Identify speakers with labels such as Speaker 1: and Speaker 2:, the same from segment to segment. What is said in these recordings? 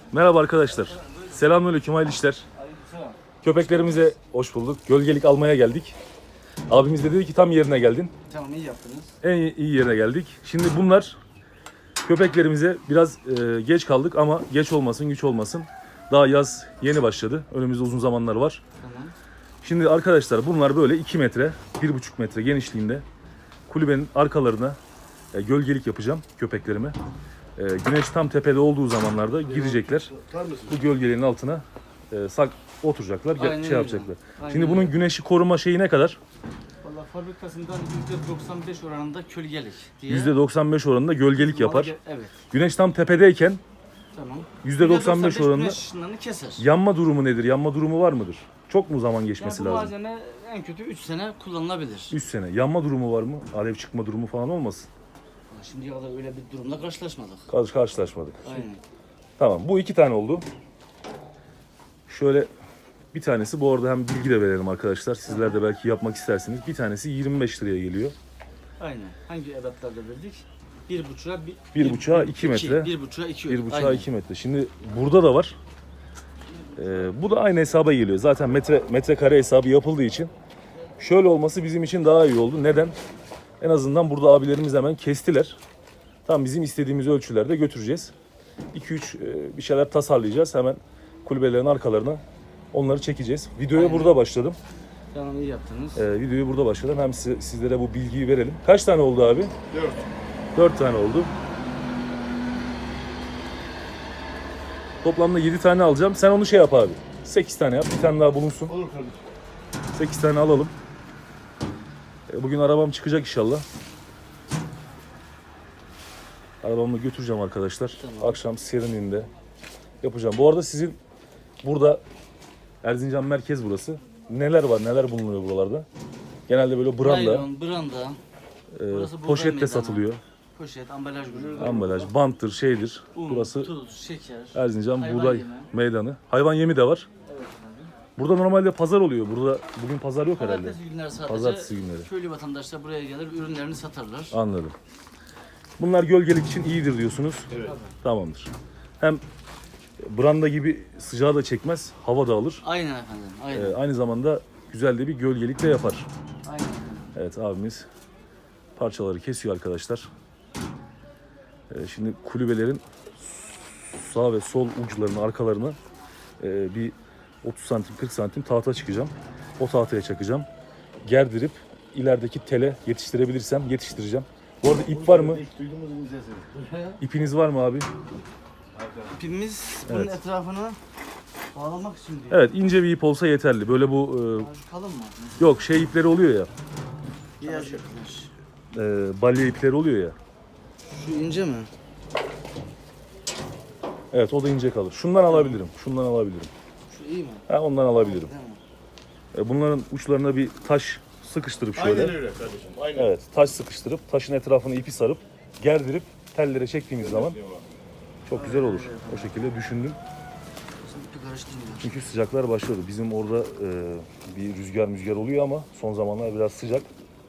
Speaker 1: Merhaba arkadaşlar. Selamünaleyküm, hayırlı işler. Köpeklerimize hoş bulduk. Gölgelik almaya geldik. Abimiz de dedi ki tam yerine geldin.
Speaker 2: Tamam, iyi yaptınız.
Speaker 1: En iyi yerine geldik. Şimdi bunlar köpeklerimize biraz geç kaldık ama geç olmasın, güç olmasın. Daha yaz yeni başladı. Önümüzde uzun zamanlar var.
Speaker 2: Tamam.
Speaker 1: Şimdi arkadaşlar bunlar böyle 2 metre, 1,5 metre genişliğinde kulübenin arkalarına gölgelik yapacağım köpeklerime. Güneş tam tepede olduğu zamanlarda girecekler. Bu gölgelerin altına oturacaklar,
Speaker 2: Aynen
Speaker 1: şey
Speaker 2: öyle.
Speaker 1: yapacaklar.
Speaker 2: Aynen
Speaker 1: Şimdi bunun
Speaker 2: öyle.
Speaker 1: güneşi koruma şeyi ne kadar?
Speaker 2: Valla fabrikasından %95 oranında kölgelik diye.
Speaker 1: %95 oranında gölgelik yapar.
Speaker 2: Evet.
Speaker 1: Güneş tam tepedeyken
Speaker 2: Tamam.
Speaker 1: %95 oranında
Speaker 2: güneş ışınlarını keser.
Speaker 1: yanma durumu nedir? Yanma durumu var mıdır? Çok mu zaman geçmesi
Speaker 2: Yani bu
Speaker 1: lazım?
Speaker 2: malzeme en kötü 3 sene kullanılabilir.
Speaker 1: 3 sene. Yanma durumu var mı? Alev çıkma durumu falan olmasın?
Speaker 2: Şimdiye kadar öyle bir durumla karşılaşmadık.
Speaker 1: Karşılaşmadık.
Speaker 2: Aynen.
Speaker 1: Tamam, bu 2 tane oldu. Şöyle bir tanesi, bu arada hem bilgi de verelim arkadaşlar. Sizler de belki yapmak istersiniz. Bir tanesi 25 liraya geliyor.
Speaker 2: Aynen. Hangi edatlarda verdik? 1,5'a
Speaker 1: 1,5'a 2 metre.
Speaker 2: 1,5'a 2.
Speaker 1: 1,5'a 2 metre. Şimdi burada da var. Bu da aynı hesaba geliyor. Zaten metrekare hesabı yapıldığı için şöyle olması bizim için daha iyi oldu. Neden? En azından burada abilerimiz hemen kestiler. Tam bizim istediğimiz ölçülerde götüreceğiz. 2-3 bir şeyler tasarlayacağız. Hemen kulübelerin arkalarına onları çekeceğiz. Videoya
Speaker 2: Aynen.
Speaker 1: burada başladım.
Speaker 2: Tamam, iyi yaptınız.
Speaker 1: Videoyu burada başladım. Hem sizlere bu bilgiyi verelim. Kaç tane oldu abi?
Speaker 3: 4.
Speaker 1: 4 tane oldu. Toplamda 7 tane alacağım. Sen onu şey yap abi. 8 tane yap. Bir tane daha bulunsun.
Speaker 3: Olur kardeşim.
Speaker 1: 8 tane alalım. Bugün arabam çıkacak inşallah. Arabamı götüreceğim arkadaşlar.
Speaker 2: Tamam.
Speaker 1: Akşam serinliğinde yapacağım. Bu arada sizin burada Erzincan merkez burası. Neler var? Neler bulunuyor buralarda? Genelde böyle branda,
Speaker 2: Naylon, branda, burası buğday
Speaker 1: poşette
Speaker 2: meydanı.
Speaker 1: satılıyor.
Speaker 2: poşet, ambalaj grubu.
Speaker 1: Ambalaj, banttır, şeydir.
Speaker 2: Un,
Speaker 1: Burası
Speaker 2: tuz, şeker.
Speaker 1: Erzincan
Speaker 2: hayvan
Speaker 1: Buğday
Speaker 2: yemi.
Speaker 1: Meydanı. Hayvan yemi de var.
Speaker 2: Evet abi.
Speaker 1: Burada normalde pazar oluyor. Burada bugün pazar yok herhalde.
Speaker 2: Pazartesi günleri sadece
Speaker 1: Pazartesi günleri.
Speaker 2: köylü vatandaşlar buraya gelir, ürünlerini satarlar.
Speaker 1: Anladım. Bunlar gölgelik için iyidir diyorsunuz.
Speaker 3: Evet.
Speaker 1: Tamamdır. Hem branda gibi sıcağı da çekmez, hava da alır.
Speaker 2: Aynen efendim, aynen.
Speaker 1: Aynı zamanda güzel de bir gölgelik de yapar.
Speaker 2: Aynen efendim.
Speaker 1: Evet, abimiz parçaları kesiyor arkadaşlar. Şimdi kulübelerin sağ ve sol uçlarının arkalarına bir 30 santim 40 santim tahta çıkacağım. O tahtaya çakacağım. Gerdirip ilerideki tele yetiştirebilirsem yetiştireceğim. Bu arada ip var mı?
Speaker 3: İlk duyduğumuz bu sesi.
Speaker 1: İpiniz var mı abi?
Speaker 2: İpimiz bunun
Speaker 1: Evet.
Speaker 2: etrafını bağlamak için diyor.
Speaker 1: Evet, ince bir ip olsa yeterli. Böyle bu
Speaker 2: Şu kalın mı?
Speaker 1: yok şey ipleri oluyor ya.
Speaker 2: Beyaz ipler.
Speaker 1: Balya ipleri oluyor ya.
Speaker 2: Şu ince mi?
Speaker 1: Evet, o da ince kalır. Şundan alabilirim. Şundan alabilirim.
Speaker 2: Şu iyi mi?
Speaker 1: Ha, ondan alabilirim.
Speaker 2: Değil mi?
Speaker 1: Bunların uçlarına bir taş sıkıştırıp şöyle.
Speaker 3: Aynen öyle kardeşim. Aynen.
Speaker 1: Evet, taş sıkıştırıp taşın etrafını ipi sarıp gerdirip tellere çektiğimiz zaman çok güzel olur. O şekilde düşündüm.
Speaker 2: Şimdi ipi karıştırmıyor.
Speaker 1: Çünkü sıcaklar başladı. Bizim orada bir rüzgar oluyor ama son zamanlar biraz sıcak.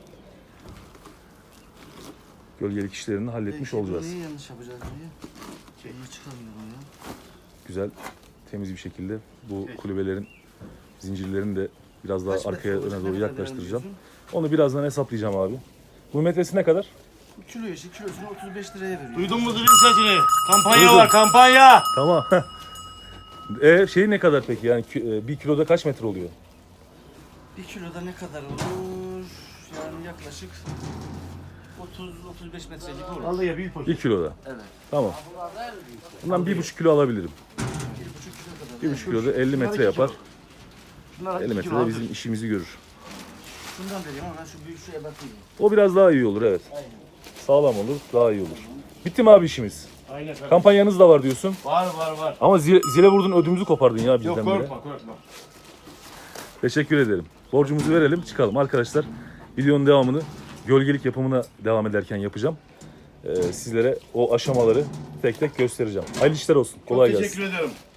Speaker 1: Gölgelik işlerini halletmiş olacağız.
Speaker 2: Neyi yanlış yapacağız diye. Şeyi çıkarmıyorum ya.
Speaker 1: Güzel, temiz bir şekilde bu kulübelerin zincirlerini de biraz daha
Speaker 2: Kaç metre
Speaker 1: arkaya
Speaker 2: olur?
Speaker 1: öne
Speaker 2: Ne
Speaker 1: doğru
Speaker 2: kadar
Speaker 1: yaklaştıracağım.
Speaker 2: diyorsun?
Speaker 1: Onu birazdan hesaplayacağım abi. Bu metresi ne kadar?
Speaker 2: Kilo işi kilosunu 35 liraya veriyor.
Speaker 3: Duydun mu zilin sesini? Kampanya
Speaker 1: Duydum.
Speaker 3: var, kampanya.
Speaker 1: Tamam. Şey ne kadar peki? Yani 1 kiloda kaç metre oluyor?
Speaker 2: 1 kiloda ne kadar olur? Yani yaklaşık 30-35 metre gibi olur.
Speaker 3: Vallahi bir poşet.
Speaker 1: 1 kiloda.
Speaker 2: Evet.
Speaker 1: Tamam. Bundan 1,5 kilo alabilirim.
Speaker 2: 1,5 kilo kadar.
Speaker 1: 1,5 kiloda 50 metre yapar.
Speaker 3: Şunlar
Speaker 1: 50 metrede bizim işimizi görür.
Speaker 2: Şundan vereyim ama ben şu büyük şuraya bakayım.
Speaker 1: O biraz daha iyi olur, evet.
Speaker 2: Aynen.
Speaker 1: Sağlam olur, daha iyi olur. Bitti mi abi işimiz?
Speaker 3: Aynen kardeşim.
Speaker 1: Kampanyanız da var diyorsun.
Speaker 3: Var.
Speaker 1: Ama zile vurdun, ödümüzü kopardın ya bizden
Speaker 3: Yok
Speaker 1: bile.
Speaker 3: korkma.
Speaker 1: Teşekkür ederim. Borcumuzu verelim, çıkalım. Arkadaşlar, videonun devamını gölgelik yapımına devam ederken yapacağım. Sizlere o aşamaları tek tek göstereceğim. Hayırlı işler olsun. Kolay
Speaker 3: Çok
Speaker 1: gelsin.
Speaker 3: teşekkür ederim.